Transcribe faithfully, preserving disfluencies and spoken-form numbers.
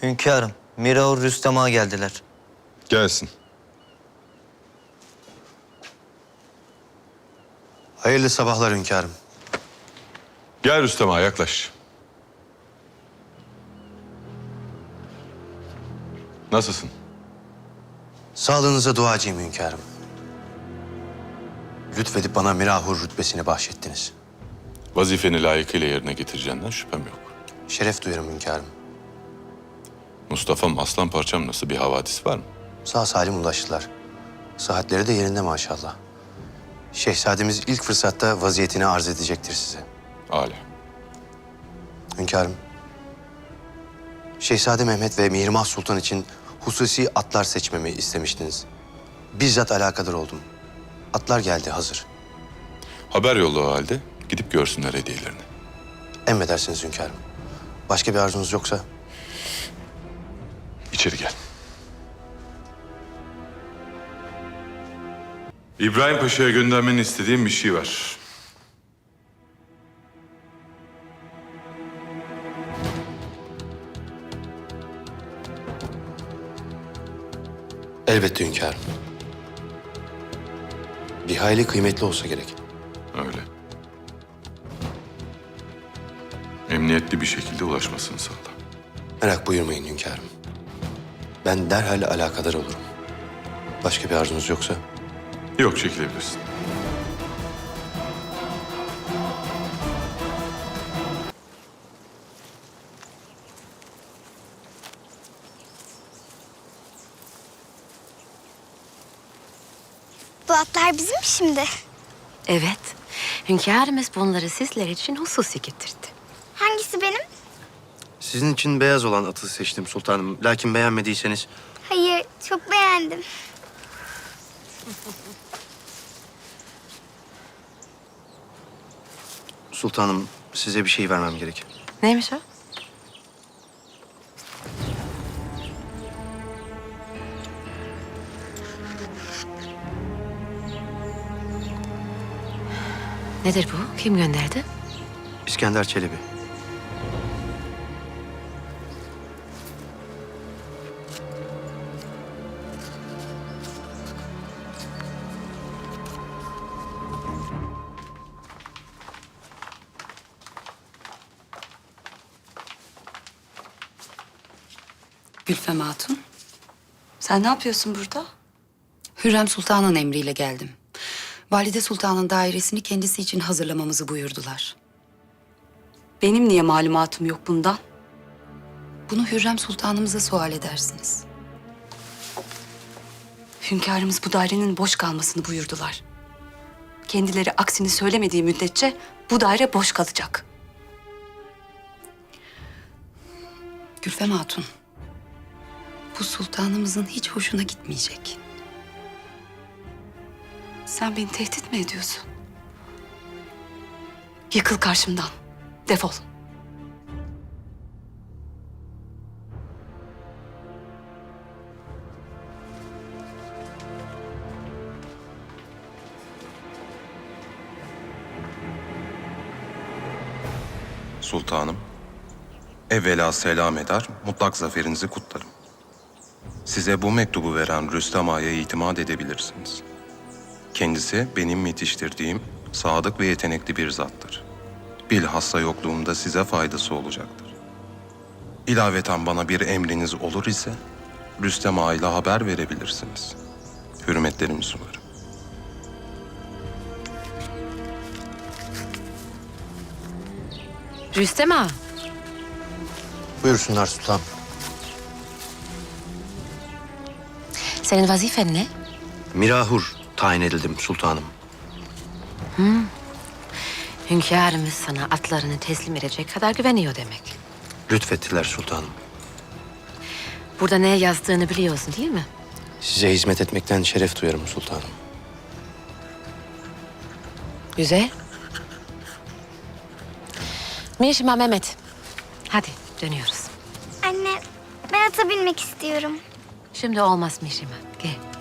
Hünkârım, Miraur Rüstem Ağa geldiler. Gelsin. Hayırlı sabahlar hünkârım. Gel Rüstem Ağa, yaklaş. Nasılsın? Sağlığınıza duacıyım hünkârım. Lütfedip bana Mirahur rütbesini bahşettiniz. Vazifeni layıkıyla yerine getireceğinden şüphem yok. Şeref duyarım hünkârım. Mustafa'm, aslan parçam nasıl, bir havadis var mı? Sağ salim ulaştılar. Sıhhatleri de yerinde maşallah. Şehzademiz ilk fırsatta vaziyetini arz edecektir size. Âlâ. Hünkârım, Şehzade Mehmet ve Mihrimah Sultan için hususi atlar seçmemi istemiştiniz. Bizzat alakadar oldum. Atlar geldi hazır. Haber yolla o halde, gidip görsünler hediyelerini. Emredersiniz hünkârım. Başka bir arzunuz yoksa? İçeri gel. İbrahim Paşa'ya göndermeni istediğim bir şey var. Elbette hünkârım. Bir hayli kıymetli olsa gerek. Öyle. Emniyetli bir şekilde ulaşmasını sağla. Merak buyurmayın hünkârım. Ben derhal alakadar olurum. Başka bir arzunuz yoksa? Yok, çekilebilirsin. Bu atlar bizim mi şimdi? Evet. Hünkârımız bunları sizler için hususi getirdi. Hangisi benim? Sizin için beyaz olan atı seçtim sultanım. Lakin beğenmediyseniz... Hayır, çok beğendim. Sultanım, size bir şey vermem gerek. Neymiş o? Nedir bu? Kim gönderdi? İskender Çelebi. Gülfem Hatun, sen ne yapıyorsun burada? Hürrem Sultan'ın emriyle geldim. Valide Sultan'ın dairesini kendisi için hazırlamamızı buyurdular. Benim niye malumatım yok bundan? Bunu Hürrem Sultanımıza sual edersiniz. Hünkârımız bu dairenin boş kalmasını buyurdular. Kendileri aksini söylemediği müddetçe bu daire boş kalacak. Gülfem Hatun, bu sultanımızın hiç hoşuna gitmeyecek. Sen beni tehdit mi ediyorsun? Yıkıl karşımdan. Defol. Sultanım, evvela selam eder, mutlak zaferinizi kutlarım. Size bu mektubu veren Rüstem Ağa'ya itimat edebilirsiniz. Kendisi benim yetiştirdiğim sadık ve yetenekli bir zattır. Bilhassa yokluğumda size faydası olacaktır. İlaveten bana bir emriniz olur ise Rüstem Ağa ile haber verebilirsiniz. Hürmetlerimi sunarım. Rüstem Ağa. Buyursunlar sultanım. Senin vazifen ne? Mirahur tayin edildim sultanım. Hünkârımız sana atlarını teslim edecek kadar güveniyor demek. Lütfettiler sultanım. Burada ne yazdığını biliyorsun değil mi? Size hizmet etmekten şeref duyarım sultanım. Güzel. Mişima Mehmet. Hadi dönüyoruz. Anne, ben ata binmek istiyorum. Şimdi olmaz Mişima. Gel.